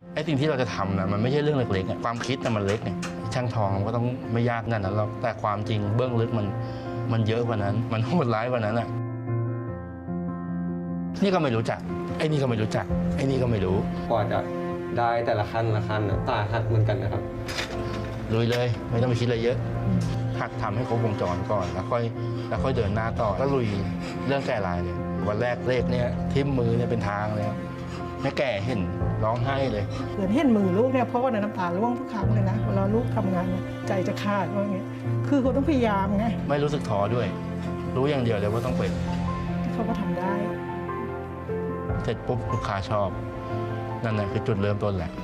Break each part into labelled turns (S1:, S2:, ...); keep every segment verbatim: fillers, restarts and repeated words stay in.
S1: ไอ้สิ่งที่เราจะทำนะมันไม่ใช่เรื่องเล็กๆความคิดนะมันเล็กไงช่างทองมันก็ต้องไม่ยากนั่นนั้นหรอกแต่ความจริงเบื้องลึกมันมันเยอะกว่านั้นมันโหดร้ายกว่านั้นอ่ะนี่ก็ไม่รู้จักไอ้นี่ก็ไม่รู้จักไอ้นี่ก็ไม่รู้
S2: กว่าจะได้แต่ละขั้นละขั้นตาหักเหมือนกันนะครับ
S1: ลุยเลยไม่ต้องไปคิดอะไรเยอะหักทำให้ครบวงจรก่อนแล้วค่อยแล้วค่อยเดินหน้าต่อแล้วลุยเรื่องแก่ลายเลยวันแรกเลขเนี่ยทิ่มมือเนี่ยเป็นทางเลยแม่แก่เห็นร้องไห้เลย
S3: เกิดเห็นมือลูกเนี่ยเพราะว่าน้ำตาร่วงทุกครั้งเลยนะเวลาลูกทำงานใจจะขาดว่าอย่างเงี้ยคือเขาต้องพยายามไง
S1: ไม่รู้สึกท้อด้วยรู้อย่างเดียวเลยว่าต้องเป็น
S3: เขาก็ทำได้
S1: เสร็จปุ๊บลูกค้าชอบนั่นแหละคือจุดเริ่มต้นแหละ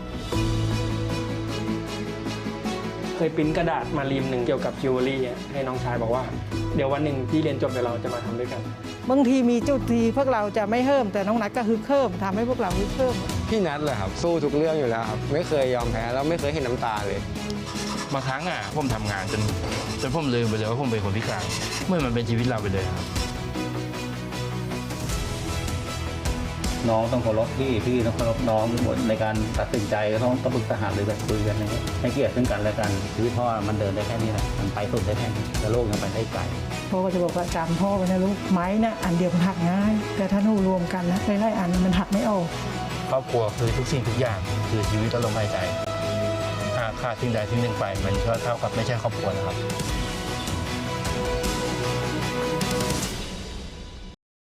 S4: เคยปริ้นกระดาษมารีมหนึ่งเกี่ยวกับจิวเวลรี่ให้น้องชายบอกว่าเดี๋ยววันหนึ่งที่เรียนจบเดี๋ยวเราจะมาทำด้วยกัน
S3: บางทีมีจุดที่พวกเราจะไม่เพิ่มแต่น้องนัทก็ฮึกเพิ่มทำให้พวกเราฮึกเพิ่ม
S2: พี่นัทเลยครับสู้ทุกเรื่องอยู่แล้วครับไม่เคยยอมแพ้แล้วไม่เคยเห็นน้ำตาเลย
S1: บางครั้งอ่ะผมทำงานจนจนผมลืมไปเลยว่าผมเป็นคนพิการเมื่อมันเป็นชีวิตเราไปเลยครับ
S5: น้องต้องเคารพพี่พี่ต้องเคารพน้องหมดในการตัดสินใจก็ต้องต้องปรึกษาหารือกันคุยกันนะครับให้เกียรติซึ่งกันและกันชีวิตพ่อมันเดินได้แค่นี้แหละมันไปสุดได้แค่นี้แต่โลกยังไปได้ไกล
S3: พ่อก็จะบอกว่าจำพ่อไว้นะลูกไม้นะอันเดียวมันหักง่ายแต่ถ้าหนูรวมกันนะหลายๆอันมันหักไม่ออก
S1: ครอบครัวคือทุกสิ่งทุกอย่างคือชีวิตและลมหายใจหากขาดสิ่งใดสิ่งหนึ่งไปมันก็เท่ากับไม่ใช่ครอบครัวนะครับ